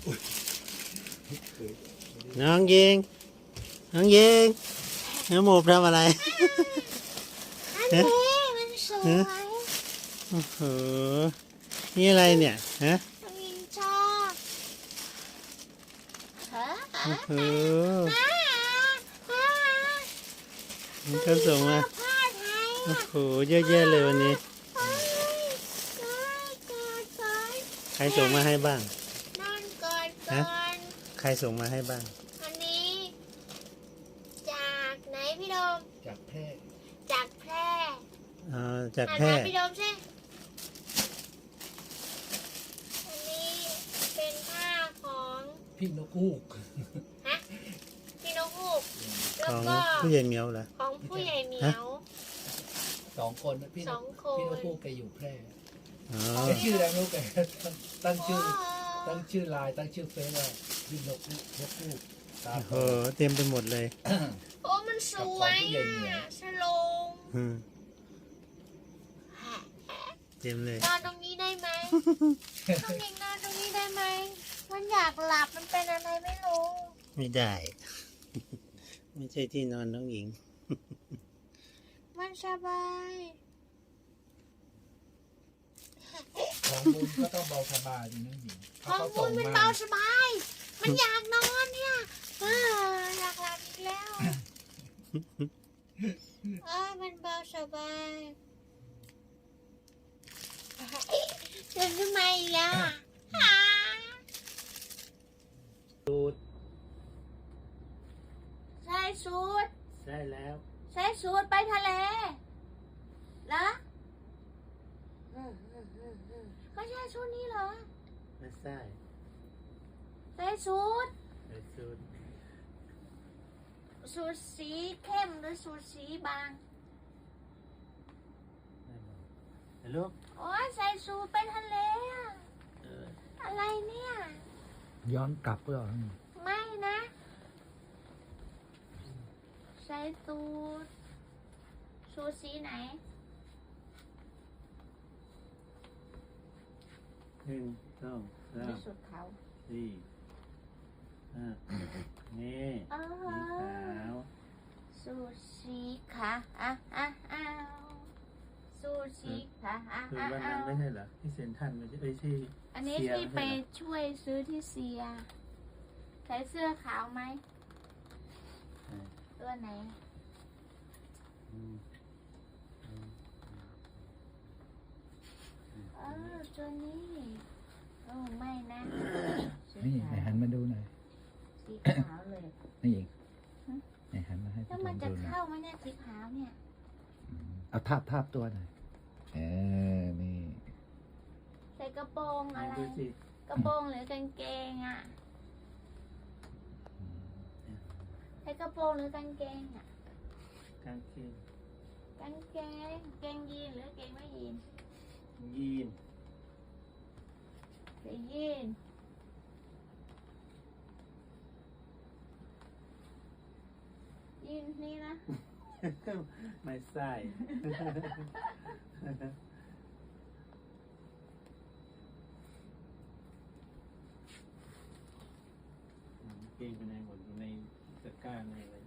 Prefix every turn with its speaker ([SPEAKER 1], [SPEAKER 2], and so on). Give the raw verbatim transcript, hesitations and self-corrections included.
[SPEAKER 1] น้องยิงน้องยิงน้องหมูทำอะไร
[SPEAKER 2] อันนี้มันสวย
[SPEAKER 1] โอ้โหนี่อะไรเนี่ยฮะ
[SPEAKER 2] มินชอบฮะ
[SPEAKER 1] โอ้โห
[SPEAKER 2] ฮะฮะ
[SPEAKER 1] มันก็ส่งมา
[SPEAKER 2] ผ้าไทย
[SPEAKER 1] โอ้
[SPEAKER 2] อ่ะ
[SPEAKER 1] โหเยอะแยะเลยวันนี้
[SPEAKER 2] เฮ้ยเฮ้ยกอดก่อน
[SPEAKER 1] ใครส่งมาให้บ้าง
[SPEAKER 2] นอนกอดก่
[SPEAKER 1] ฮะ
[SPEAKER 2] อน
[SPEAKER 1] ใครส่งมาให้บ้าง
[SPEAKER 2] อันนี้ จากไหนพี่โดม
[SPEAKER 3] จากแพร่
[SPEAKER 2] จากแพร่
[SPEAKER 1] อ๋อจาก
[SPEAKER 2] อ่าน
[SPEAKER 1] แพร่
[SPEAKER 2] มาพี่โดมสิอันนี้เป็นผ้าของ
[SPEAKER 3] พี่นกฮูก
[SPEAKER 2] ฮะพี่นกฮูก
[SPEAKER 1] ข
[SPEAKER 2] แล้ว
[SPEAKER 1] อง
[SPEAKER 2] ก็
[SPEAKER 1] ผู้ใหญ่เหมียวเหรอ
[SPEAKER 2] ของผู้ใหญ่เหมียว
[SPEAKER 3] สองคนนะพี่น
[SPEAKER 2] ส
[SPEAKER 3] ก
[SPEAKER 2] องคน
[SPEAKER 3] พี่นกฮูกแกอยู่แพร่
[SPEAKER 1] อ๋อ
[SPEAKER 3] แกชื่ออะไรไม่รู้แกตั้งชื่อ
[SPEAKER 2] อ๋อ
[SPEAKER 3] ตั้งชื่อไลน์ตั้งชื่อเฟซว่าพี่นกฮูกนกฮูกตา
[SPEAKER 1] โอ้
[SPEAKER 3] โต
[SPEAKER 1] โหเต็มไปหมดเลย
[SPEAKER 2] โอ้มันสวยอ่ะสโลง
[SPEAKER 1] อืมเต็มเลย
[SPEAKER 2] นอนตรงนี้ได้ไหมต้องเด็กนอนตรงนี้ได้ไหมมันอยากหลับมันเป็นอะไรไม่รู้
[SPEAKER 1] ไม่ได้ ไม่ใช่ที่นอนน้องหญิง
[SPEAKER 2] มันสบาย
[SPEAKER 3] ของบุญก็ต้องเบาสบายจริงนะหญิง
[SPEAKER 2] ของ
[SPEAKER 3] เขา
[SPEAKER 2] คุ
[SPEAKER 3] ส่
[SPEAKER 2] ณ
[SPEAKER 3] ง
[SPEAKER 2] มัน
[SPEAKER 3] มา
[SPEAKER 2] เบาสบาย มันอยากนอนเนี่ยเอออยากหลับอีกแล้วเออมันเบาสบายเดินทำไมล่ะหา
[SPEAKER 1] สูตร
[SPEAKER 2] ใส่สูท
[SPEAKER 1] ใช่แล้ว
[SPEAKER 2] ใส่สูทไปทะเลเหรออืมอืมอืมอืมก็ใช่ชุดนี้เหรอ
[SPEAKER 1] ไม่ใช่
[SPEAKER 2] ใส่สูท
[SPEAKER 1] ใช่สูตร
[SPEAKER 2] สูทสีเข้มหรือสูทสีบาง
[SPEAKER 1] ไม่บอกฮัลโหล
[SPEAKER 2] โอ้ยใส่สูทไปทะเลอะ
[SPEAKER 1] เออ
[SPEAKER 2] อะไรเนี่ย
[SPEAKER 3] ย้อนกลับก็
[SPEAKER 2] ไม่นะ ใส่สูทสูทสีไหน
[SPEAKER 1] หนึ่งสองสา
[SPEAKER 2] หรือ
[SPEAKER 1] ม
[SPEAKER 2] สูทขาว
[SPEAKER 1] สี่ห้านี่
[SPEAKER 2] อ๋อ
[SPEAKER 1] สีขาว
[SPEAKER 2] สูทสีขาอ่ะอ่ะอ้าวสูทสีขาอ่ะ
[SPEAKER 1] คือ
[SPEAKER 2] อ่ะ
[SPEAKER 1] วัน
[SPEAKER 2] อ้า
[SPEAKER 1] นั้น
[SPEAKER 2] ว
[SPEAKER 1] ไม่ใช่เหรอที่เซ็นทรัลไม่ใช่เอ้ยที่
[SPEAKER 2] อันนี้
[SPEAKER 1] เสีย
[SPEAKER 2] ที่
[SPEAKER 1] ไม่
[SPEAKER 2] ไป
[SPEAKER 1] ใช่เหรอ
[SPEAKER 2] ช่วยซื้อที่เซีย ใส่เสื้อขาวไหม
[SPEAKER 1] อ่า
[SPEAKER 2] ตัวไหน
[SPEAKER 1] อืมอืม
[SPEAKER 2] เออตัวนี้โอ้ไม่นะสี
[SPEAKER 3] นี่
[SPEAKER 2] ขา
[SPEAKER 3] ไหน
[SPEAKER 2] ว
[SPEAKER 3] หันมาดูหน่อย
[SPEAKER 2] สีขาวเลย
[SPEAKER 3] นี่หญิงไหนหันมาให้
[SPEAKER 2] แล้
[SPEAKER 3] พี่
[SPEAKER 2] ว
[SPEAKER 3] ช
[SPEAKER 2] มัน
[SPEAKER 3] ม
[SPEAKER 2] จะ
[SPEAKER 3] ดูหน่อย
[SPEAKER 2] เข้าไหมเนี่ยสีขาวเนี่ย
[SPEAKER 3] อืมเอาทาบทาบตัวหน่อยเออนี่
[SPEAKER 2] ใส่กระโปรงอะไร
[SPEAKER 1] ดูสิ
[SPEAKER 2] กระโปรงหรือกางเกงอ่ะ ใส่กระโปรงหรือกางเกงอ่ะ
[SPEAKER 1] กางเกง
[SPEAKER 2] กางเกงเกงยีนหรือเกงไม่ยีน
[SPEAKER 1] ยีน
[SPEAKER 2] ใส่ยีนยีนนี่นะ
[SPEAKER 1] ไม่ใช่เกงไปไหนหมดอยู่ในตะกร้าในอะไร